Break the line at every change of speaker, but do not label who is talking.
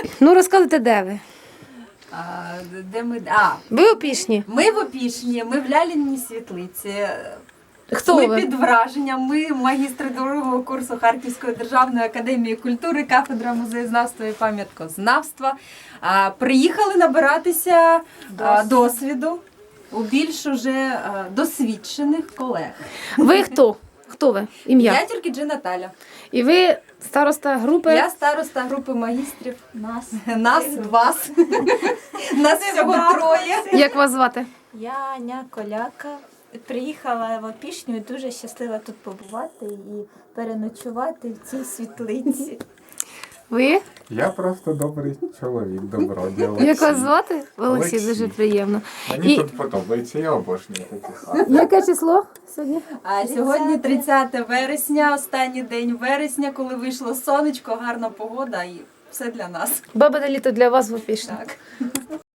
Ну, розказуйте, де ви?
Де ми?
Ви у Пішні?
Ми в Опішні, ми в Ляліній світлиці.
Хто
Ми
ви?
під враженням, ми магістри другого курсу Харківської державної академії культури, кафедра музеєзнавства і пам'яткознавства. Приїхали набиратися досвіду у більш уже досвідчених колег.
Ви хто? Хто ви? Ім'я?
Я тільки Наталя.
І ви староста групи?
Я староста групи магістрів. Нас, вас. Нас всього троє.
Як вас звати?
Я Аня Коляка. Приїхала в Опішню і дуже щаслива тут побувати і переночувати в цій світлиці.
Ви?
Я просто добрий чоловік, добродій Олексій.
Як вас звати? Олексій,
Олексій.
дуже приємно.
Мені
І
тут подобається, я обожнюю такі хати.
яке число сьогодні?
А сьогодні 30 вересня, останній день вересня, коли вийшло сонечко, гарна погода і все для нас.
Бабине літо для вас в Опішні.
Так.